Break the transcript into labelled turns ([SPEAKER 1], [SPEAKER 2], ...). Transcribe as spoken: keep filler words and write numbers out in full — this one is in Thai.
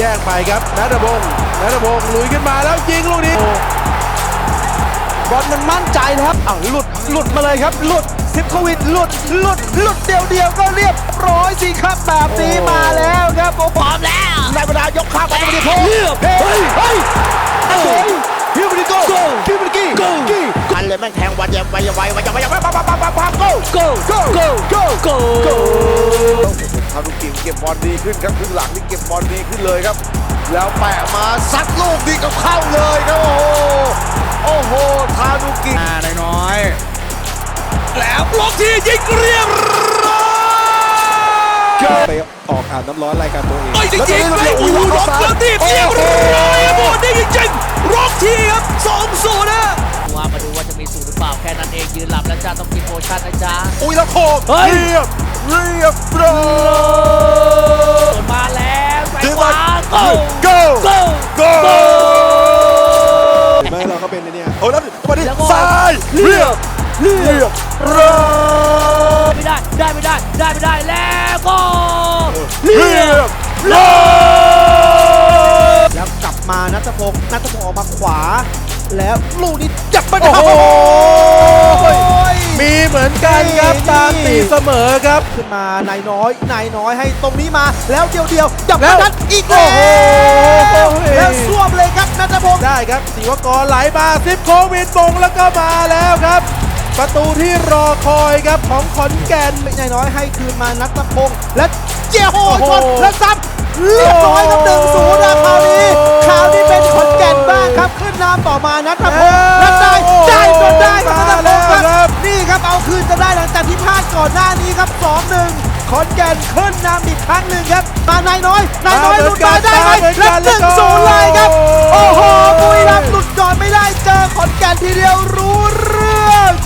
[SPEAKER 1] ยกไปครับณัฐพงศ์ณัฐพงศ์ลุยขึ้นมาแล้วยิงลูกนี้
[SPEAKER 2] บอลมันมั่นใจนะครับอ้าวหลุดหลุดมาเลยครับหลุดซิฟโควิดหลุดหลุดหลุดเดียวเดียวก็เรียบร้อยสิครับแบบนี้มาแล้วครับโอ้พร้อมแล้วในบรรดายกข้ามไปที่โพเฮ้ยเฮ้ยเฮ้ยฮิวบริโก้ฮิวบริกี้กี้กันเลยแม่งแทงวันยังไวยังไววันยังไวยังไวปั๊บปั๊บปั๊บปั๊บปั๊บโก้โก้โก้โก้โก้โก้โก้
[SPEAKER 3] ทานุกิเก็บบอลดีขึ้นครับครึ่งหลังนี่เก็บบอลดีขึ้นเลยครับแล้วแปะมาซัดลูกนี้ก็เข้าเลยครับโอ้โหโอ้โหทานุกิ
[SPEAKER 2] น้อยแล้วบล็อกทียิงเรียบร้อย
[SPEAKER 1] ไปออกอาบน้ำร้อนรายการตัวเอง
[SPEAKER 2] ไม่จริงๆเลยอูล็อกแล้วทีเรียบร้อยบอลนี่จริงๆล็อกทีครับสองศูนย์นะ
[SPEAKER 4] ว่ามาดูว่าจะมีสูตรหรือเปล่าแค่นั้นเองยืนหลับแล้วจ้าต้องกินโพชั่นนะจ๊ะ
[SPEAKER 3] อุ้ยแล้วโคกเรียบเรียบร้อย
[SPEAKER 4] มาแล้วใส่ขวา
[SPEAKER 3] go go go go
[SPEAKER 1] เห็นไหมเราก็เป็นเนี่ย
[SPEAKER 3] โอ้แล้วมาดิซ้ายเรียบเรียบร้อย
[SPEAKER 4] ไม่ได้ได้ไม่ได้ได้ไม่ได้แล้วก็
[SPEAKER 3] เรียบร้อย
[SPEAKER 2] แล้วกลับมาณัฐพงศ์ณัฐพงศ์ออกมาขวาแล้วลูกนี้จับมาโอ้โห
[SPEAKER 1] มีเหมือนกันครับตามตีเสมอครับ
[SPEAKER 2] ขึ้นมานายน้อยนายน้อยให้ตรงนี้มาแล้วเดียวเดียวจับนัดอีกแล้วแล้วสวมเลยครับณัฐพงศ์
[SPEAKER 1] ได้ครับศิวกรไหลมาซิปโควิดบงแล้วก็มาแล้วครับประตูที่รอคอยครับของขอนแก่น
[SPEAKER 2] นายน้อยให้คืนมาณัฐพงศ์และเจียโฮชนและซ้ำเรียบร้อยกับหนึ่งศูนย์นะคราวนี้คราวนี้เป็นขอนแก่นบ้างครับขึ้นนำต่อมาณัฐพงศ์และได้ได้จนได้ครับณัฐพงศ์ครับนี่ครับเอาคืนจะได้หลังจากที่พลาดก่อนหน้านี้ครับ สองหนึ่ง ขอนแก่นขึ้นนำอีกครั้งหนึ่งครับมานายน้อยนายน้อยหลุดมาได้ไหมและหนึ่งศูนย์เลยครับโอ้โหบุรีรัมย์หลุดก่อนไม่ได้เจอขอนแก่นทีเดียวรู้เรื่อง